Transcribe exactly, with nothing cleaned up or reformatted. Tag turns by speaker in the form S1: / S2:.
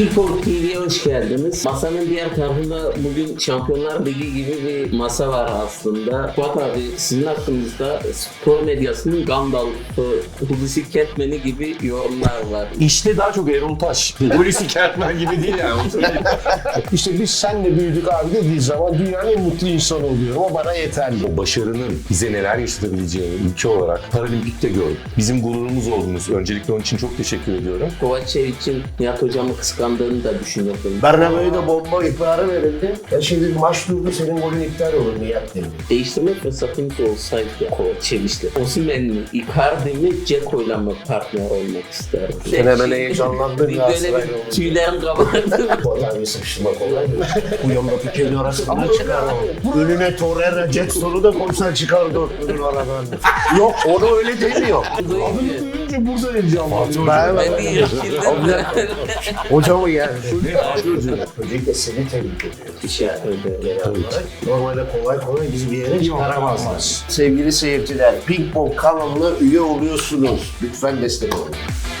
S1: Pitbull T V'ye hoş geldiniz. Masanın diğer tarafında bugün Şampiyonlar Ligi gibi bir masa var aslında. Fuat abi, sizin hakkınızda spor medyasının Gandalf'ı, Hulusi Kentmen'i gibi yorumlar var.
S2: İşte daha çok Erol Taş. Hulusi Kentmen gibi değil yani.
S3: İşte biz senle büyüdük abi dediği zaman dünyanın en mutlu insanı oluyorum. O bana yeterli.
S2: O başarının bize neler yaşatabileceğini ülke olarak Paralimpik'te gördük. Bizim gururumuz oldunuz. Öncelikle onun için çok teşekkür ediyorum.
S1: Kovacevic'in Nihat hocamı kıskandığını da düşünüyordum.
S3: Bernabeu'da de bomba ihbarı verildi. Ya şimdi maç durdu, senin golün iptal olur Nihat dedi.
S1: Değiştirme fırsatımız olsaydı Kovacevic'le. Osimhen mi, Icardi mi, Ceko'yla mı partner olmak isterdim?
S3: Sen hemen heyecanlandın
S1: Bir
S3: ya.
S1: böyle bir tüylerim kabardı.
S3: Bu adam sıkıştırmak kolay mı? Bu yandaki kedi arasından çıkar o. Önüne Torreira, Jackson'u da koysan çıkar dörtlünün aradan. Yok, onu öyle demiyor. Adını duyunca burada heyecanlanıyor. Ben,
S1: Ben bir irkildim.
S3: Hocamı yani. Öncelikle seni tebrik ediyorum.
S1: Bir şey öyle.
S3: Genel olarak. Normalde kolay kolay bizi bir yere çıkaramazlar. Sevgili seyirciler, Ping Pong kanalına üye oluyorsunuz. Lütfen destek olun.